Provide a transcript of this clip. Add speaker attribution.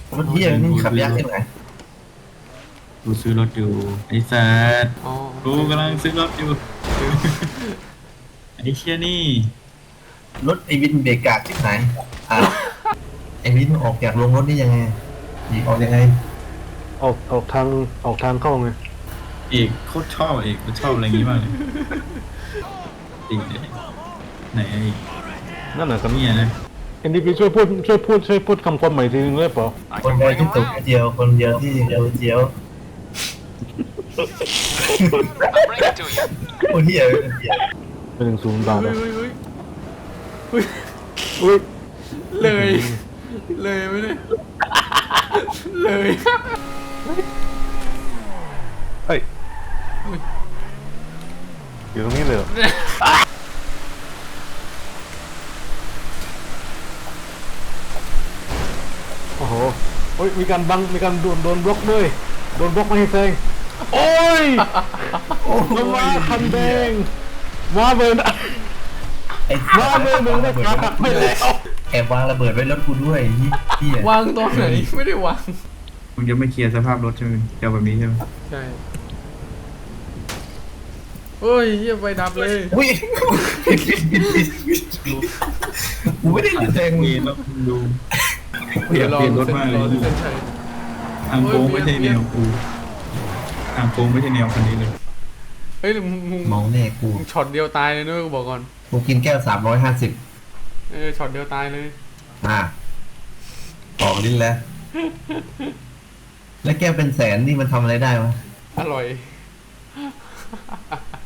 Speaker 1: รถเที่ยนี่ขับยากที่ไหน
Speaker 2: กูซื้อรถอยู่ไอ้สัส
Speaker 3: อ๋อ
Speaker 2: กูกำลังซื้อรถอยู่ไอ้เชี่ยนี่
Speaker 1: รถไอวินเบรกกากที่ไหนอ่าไอวินออกจากโรงรถนี่ยังไงหนีออกยังไง
Speaker 4: ออกทางเข้าไง
Speaker 2: เอกโคตรชอบเอกกูชอบอะไรอย่างงี้มากเลยจริงเลยไหนไอ้
Speaker 4: นั่นน่ะครับ
Speaker 2: เนี่ยนะ
Speaker 4: เอ็นดีพีช่วยพูดคำคมใหม่ทีนึงได้เปล่า
Speaker 1: คนใดที่ตกเจียวคนเดียวที่เดียวเจียวโอ้เที่ยเที่ย
Speaker 4: เป็น1-0 บาท
Speaker 3: เฮ้
Speaker 4: อ่ะ
Speaker 3: ยเฮ้ยเฮ้ย
Speaker 4: อุ้ย
Speaker 3: เลยเลยไม่ได้เลย
Speaker 4: เฮ้ยอยู่ตรงนี้เลยเหรอโอ้โหโอ้ยมีการโดนบล็อกด้วยโดนบล็อกไม่ให้แซงโอ้ยมันมาคันแดงมาเบิร์น
Speaker 1: ไอ้
Speaker 4: มาเบิร์นมึงได้ขาหักไปแล้ว
Speaker 1: แอบวางระเบิดไว้รถกูด้วยเที่ยว
Speaker 3: างตอนไหนไม่ได้วาง
Speaker 2: มึงจะไม่เคลียร์สภาพรถใช่ไหมเจ้าแบบนี้ใช่ไหม
Speaker 3: ใช่เฮ้ยเยี่ยไปดับเลย
Speaker 1: อุ้ยกูไม่ได้แซง
Speaker 2: เป
Speaker 1: มึ
Speaker 2: ลี่ย
Speaker 1: ง
Speaker 2: นรถดูอยากเปลี่ยนรถมากเลย
Speaker 3: เส้นชัย
Speaker 2: ทางโค้งไม่ใช่แนวกูทางโค้งไม่ใช่แนวคันนี้เลย
Speaker 3: เฮ้ยมึง
Speaker 1: มองแน่กู
Speaker 3: ช็อตเดียวตายเลยด้วยกูบอกก่อน
Speaker 1: กูกินแก้ว350
Speaker 3: ช็อตเดียวตายเลย
Speaker 1: ออกลิ้นแล้ว แล้วแก้วเป็นแสนนี่มันทำอะไรได้วะ
Speaker 3: อร่อย